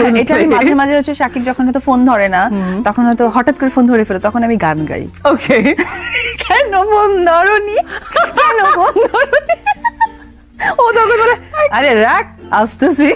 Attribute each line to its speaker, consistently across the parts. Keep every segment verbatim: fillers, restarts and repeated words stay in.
Speaker 1: এটা আমি মাঝে মাঝে হচ্ছে শাকিব যখন হয়তো ফোন ধরে না তখন হয়তো হঠাৎ করে ফোন ধরে ফেলে তখন আমি গান গাই।
Speaker 2: ওকে,
Speaker 1: কেন ফোন ধরনি, কেন ফোন ধরনি, ও তখন বলে আরে রাখ আসতেছি।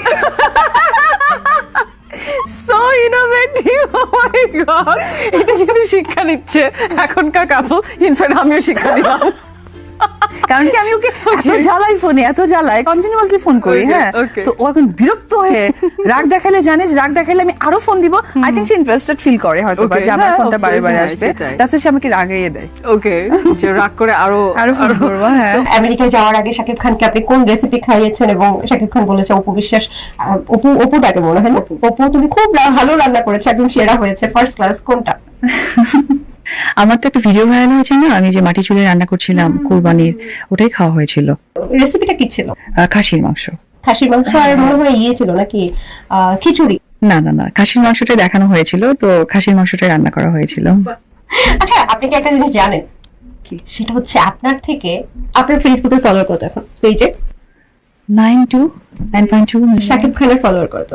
Speaker 2: So innovative, oh my god, এটা কিন্তু শিক্ষা নিচ্ছে এখনকার কাপল, ইনফ্যাক্ট আমিও শিক্ষা নিলাম।
Speaker 1: কারণ কি আমি ওকে এত জ্বালাই ফোনে, এত জ্বালাই কন্টিনিউয়াসলি ফোন করি।
Speaker 2: Okay,
Speaker 1: হ্যাঁ
Speaker 2: okay.
Speaker 1: তো ও এখন বিরক্ত হয়ে রাগ দেখালে জানে যে রাগ দেখালে আমি আরো ফোন দিব, আই থিংক সে ইন্টারেস্টেড ফিল করে হয়তো বা
Speaker 2: Okay,
Speaker 1: যে আমার
Speaker 2: হ্যাঁ,
Speaker 1: ফোনটা
Speaker 2: of
Speaker 1: বারে
Speaker 2: course,
Speaker 1: বারে
Speaker 2: হ্যাঁ,
Speaker 1: আসবে,
Speaker 2: সেটাই।
Speaker 1: তাতে সে আমাকে রাগিয়ে দেয়।
Speaker 2: ওকে, যে রাগ করে আরো
Speaker 1: আরো ফোন করবো। হ্যাঁ
Speaker 3: আমেরিকায় যাওয়ার আগে শাকিব খানকে আপনি কোন রেসিপি খাইয়েছেন এবং শাকিব খান বলেছে অপু বিশ্বাস, আহ, অপু অপুটাকে মনে হয় না, অপু তুমি খুব রা- ভালো রান্না করেছো, একদম সেরা হয়েছে, ফার্স্ট ক্লাস, কোনটা?
Speaker 4: আমার তো একটা ভিডিও ভাইরাল হয়েছে না, আমি যে মাটি চুলে রান্না করছিলাম কুরবানির, ওটাই খাওয়া হয়েছিল।
Speaker 3: রেসিপিটা কি ছিল?
Speaker 4: আহ, খাসির মাংস।
Speaker 3: খাসির মাংস আর মনে হয় ইয়ে ছিল নাকি আহ, খিচুড়ি?
Speaker 4: না না না, খাসির মাংসটাই দেখানো হয়েছিল, তো খাসির মাংসটাই রান্না করা হয়েছিল।
Speaker 3: আচ্ছা, আপনি কি একটা জিনিস জানেন? কি সেটা হচ্ছে আপনার থেকে আপনার ফেসবুকের ফলোয়ার কত এখন পেজে?
Speaker 4: Nine two nine point two
Speaker 3: Shakib খানের ফলোয়ার কত?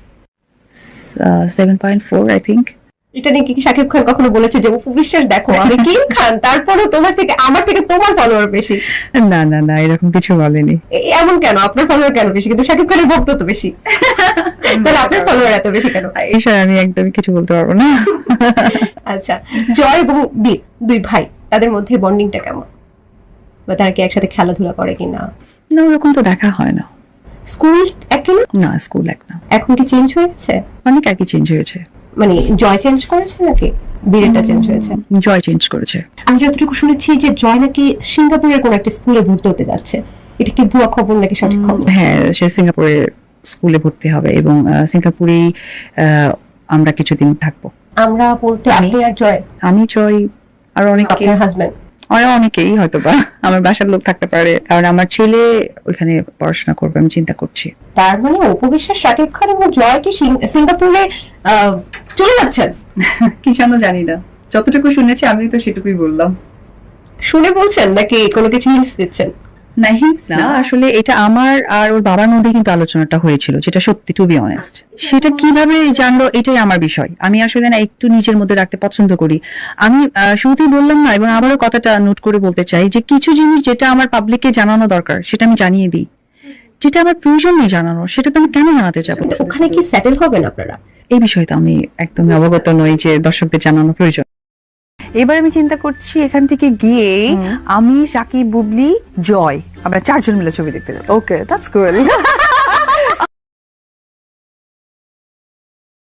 Speaker 4: Seven point four I think.
Speaker 3: এটা নিয়ে কি শাকিব খান কখনো বলেছে যে অপু বিশ্বাস দেখো আমি কিং খান, তারপরে তোমার থেকে আমার থেকে তোমার ফলোয়ার বেশি?
Speaker 4: না না না, এরকম কিছু বলেনি।
Speaker 3: এ- এমন কেন? আপনার ফলোয়ার কেন বেশি, কিন্তু শাকিব খানের ভক্ত তো বেশি, তাহলে আপনার ফলোয়ার এত বেশি কেন?
Speaker 4: এই বিষয়ে আমি একদমই কিছু বলতে পারবো না।
Speaker 3: আচ্ছা, জয় এবং বীর দুই ভাই, তাদের মধ্যে বন্ডিংটা কেমন, বা তারা কি একসাথে খেলাধুলা করে কিনা?
Speaker 4: না, ওরকম তো দেখা হয় না।
Speaker 3: স্কুল একই না?
Speaker 4: না, স্কুল এক না,
Speaker 3: এখন কি চেঞ্জ হয়ে গেছে?
Speaker 4: অনেক একই চেঞ্জ হয়েছে।
Speaker 3: মানে জয় চেঞ্জ করেছে নাকি বীরেরটা চেঞ্জ হয়েছে?
Speaker 4: জয় চেঞ্জ করেছে।
Speaker 3: আমি যতটুকু শুনেছি যে জয় নাকি সিঙ্গাপুরের কোন একটা স্কুলে ভর্তি হতে যাচ্ছে, এটা কি ভুয়া খবর নাকি সঠিক খবর?
Speaker 4: হ্যাঁ, সে সিঙ্গাপুরে স্কুলে ভর্তি হবে এবং আহ, সিঙ্গাপুরেই আহ, আমরা কিছুদিন থাকবো।
Speaker 3: আমরা বলতে আপনি আর জয়,
Speaker 4: আমি জয় আর অনেকে,
Speaker 3: আপনার হাজবেন্ড?
Speaker 4: আর অনেকেই হয়তো বা আমার বাসার লোক থাকতে পারে, কারণ আমার ছেলে ওইখানে পড়াশোনা করবে, আমি চিন্তা করছি।
Speaker 3: তার মানে অপু বিশ্বাস, শাকিব খান এবং জয় কি সিং- সিঙ্গাপুরে আহ, চলে যাচ্ছেন?
Speaker 4: কি জানো জানি না, যতটুকু শুনেছি আমি তো সেটুকুই বললাম।
Speaker 3: শুনে বলছেন নাকি কোনো কিছু হিন্টস দিচ্ছেন?
Speaker 4: না, আসলে এটা আমার আর ওর বাবার মধ্যে কিন্তু আলোচনাটা হয়েছিল, যেটা সত্যি, টু বি অনেস্ট। সেটা কিভাবে জানলো এটাই আমার বিষয়। আমি আসলে না একটু নিজের মধ্যে রাখতে পছন্দ করি। আমি আহ, শুরুতেই বললাম না, এবং আবারও কথাটা নোট করে বলতে চাই যে কিছু জিনিস যেটা আমার পাবলিককে জানানো দরকার সেটা আমি জানিয়ে দিই, যেটা আমার প্রয়োজন নেই জানানো সেটা তো আমি কেন জানাতে যাবো?
Speaker 3: তো ওখানে কি সেটেল হবেন আপনারা?
Speaker 4: এই বিষয়ে তো আমি একদম অবগত নই যে দর্শকদের জানানো প্রয়োজন।
Speaker 1: এবার আমি চিন্তা করছি এখান থেকে গিয়ে আমি শাকিব, বুবলি, জয় আমরা চারজন মিলে ছবি দেখতে যাবো।
Speaker 2: Okay, that's cool.